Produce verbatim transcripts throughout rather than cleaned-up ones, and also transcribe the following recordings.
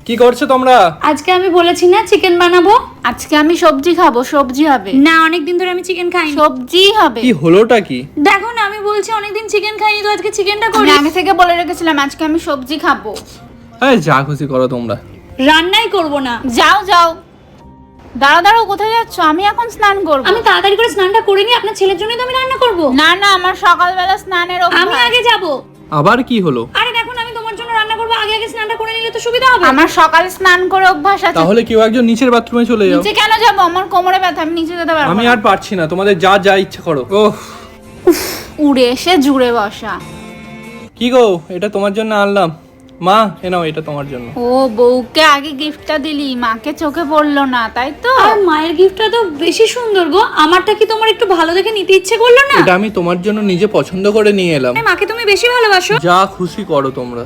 কি করছো তোমরা? আজকে আমি বলেছি না চিকেন বানাবো। আজকে আমি সবজি খাবো, সবজি হবে না, অনেকদিন ধরে আমি চিকেন খাইনি। সবজি হবে। কি হলোটা কি? দেখো না, আমি বলছি অনেকদিন চিকেন খাইনি, তো আজকে চিকেনটা আমি করি। আগে থেকে বলে রেখেছিলাম আজকে আমি সবজি খাবো। এই যা খুশি করো তোমরা। রান্নাই করব না। যাও যাও। দাঁড়াও দাঁড়াও, কোথায় যাচ্ছ? আমি এখন স্নান করব। আমি তাড়াতাড়ি করে স্নানটা করে নি, আপনার ছেলের জন্যই তো আমি রান্না করব। না না, আমার সকালবেলা স্নানের আমি অভ্যাস। আগে যাব। আবার কি হলো? আরে দেখো না, আমি তোমার জন্য রান্না করব, আগে আগে স্নানটা করে নিলে তো সুবিধা হবে। আমার সকালে স্নান করে অভ্যাস আছে। তাহলে কেউ একজন নিচের বাথরুমে চলে যাও। নিচে কেন যাবো? আমার কোমরে ব্যথা, আমি নিচে যেতে পারবো আমি না। আর পারছি না, তোমাদের যা যা ইচ্ছে করো। ওহ উড়ে এসে জুড়ে বসা। কি গো, এটা তোমার জন্য আনলাম। মা এ নাও, এটা তোমার জন্য। ও, বউকে আগে গিফটটা দিলি, মাকে চোখে পড়লো না, তাই তো? আর মায়ের গিফটটা তো বেশি সুন্দর গো। আমারটা কি তোমার একটু ভালো দেখে নিতে ইচ্ছে করলো না? এটা আমি তোমার জন্য নিজে পছন্দ করে নিয়ে এলাম। মাকে তুমি বেশি ভালোবাসো। যা খুশি করো তোমরা।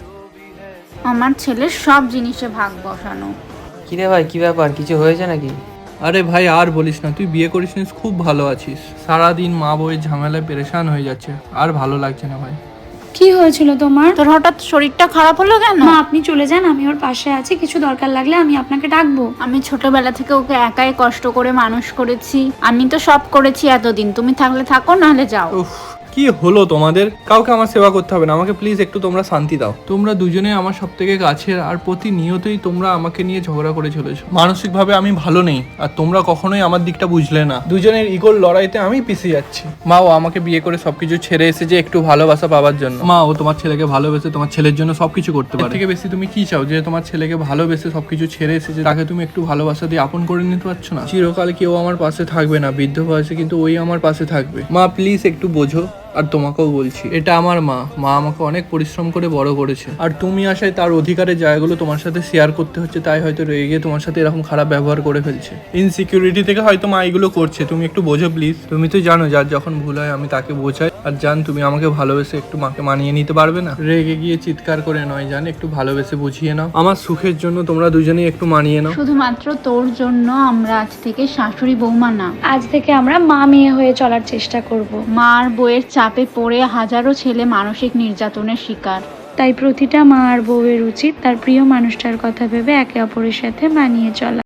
আমার ছেলের সব জিনিসে ভাগ বসানো। কিরে ভাই, কি ব্যাপার? কিছু হয়েছে নাকি? আরে ভাই আর বলিস না, তুই বিয়ে করিস নিস, খুব ভালো আছিস। সারাদিন মা বউয়ের ঝামেলায় পেরেশান হয়ে যাচ্ছে, আর ভালো লাগছে না ভাই। কি হয়েছিল তোমার? তোর হঠাৎ শরীরটা খারাপ হলো কেন? মা আপনি চলে যান, আমি ওর পাশে আছি, কিছু দরকার লাগলে আমি আপনাকে ডাকবো। আমি ছোটবেলা থেকে ওকে একাই কষ্ট করে মানুষ করেছি। আমি তো সব করেছি এতদিন। তুমি থাকলে থাকো, নাহলে যাও। উফ, কি হলো তোমাদের? কাউকে আমার সেবা করতে হবে না, আমাকে প্লিজ একটু তোমরা শান্তি দাও। তোমরা দুজনে আমার সব থেকে কাছের, আর প্রতিনিয়তই তোমরা আমাকে নিয়ে ঝগড়া করে চলেছো। মানসিকভাবে আমি ভালো নেই, আর তোমরা কখনোই আমার দিকটা বুঝলে না। দুজনের ইগোর লড়াইতে আমি পিছিয়ে যাচ্ছি। মা ও আমাকে বিয়ে করে সবকিছু ছেড়ে এসেছে একটু ভালোবাসা পাওয়ার জন্য। মা ও তোমার ছেলেকে ভালোবেসে তোমার ছেলের জন্য সবকিছু করতে পারে। এর থেকে বেশি তুমি কি চাও? যে তোমার ছেলেকে ভালোবেসে সবকিছু ছেড়ে এসেছে, তাকে তুমি একটু ভালোবাসা দিয়ে আপন করে নিতে পারছো না? চিরকাল কেউ আমার পাশে থাকবে না বৃদ্ধ বয়সে, কিন্তু ওই আমার পাশে থাকবে। মা প্লিজ একটু বোঝো। আর তোমাকেও বলছি, এটা আমার মা। মা আমাকে অনেক পরিশ্রম করে বড় করেছে, আর তুমি আসায় তার অধিকারের জায়গাগুলো তোমার সাথে শেয়ার করতে হচ্ছে, তাই হয়তো রেগে গিয়ে তোমার সাথে এরকম খারাপ ব্যবহার করে ফেলছে। ইনসিকিউরিটি থেকে হয়তো মা এগুলো করছে, তুমি একটু বোঝো প্লিজ। তুমি তো জানো যার যখন ভুল হয় আমি তাকে বোঝাই, আর জান তুমি আমাকে ভালোবেসে একটু মাকে মানিয়ে নিতে পারবে না? রেগে গিয়ে চিৎকার করে নয় জান, একটু ভালোবেসে বুঝিয়ে নাও। আমার সুখের জন্য তোমরা দুজনেই একটু মানিয়ে নাও। শুধুমাত্র তোর জন্য আমরা আজ থেকে শাশুড়ি বৌমা না, আজ থেকে আমরা মা মেয়ে হয়ে চলার চেষ্টা করব। মার বউয়ের চাপে পড়ে হাজারো ছেলে মানসিক নির্যাতনের শিকার। তাই প্রতিটা মা আর বউয়ের উচিত তার প্রিয় মানুষটার কথা ভেবে একে অপরের সাথে মানিয়ে চলা।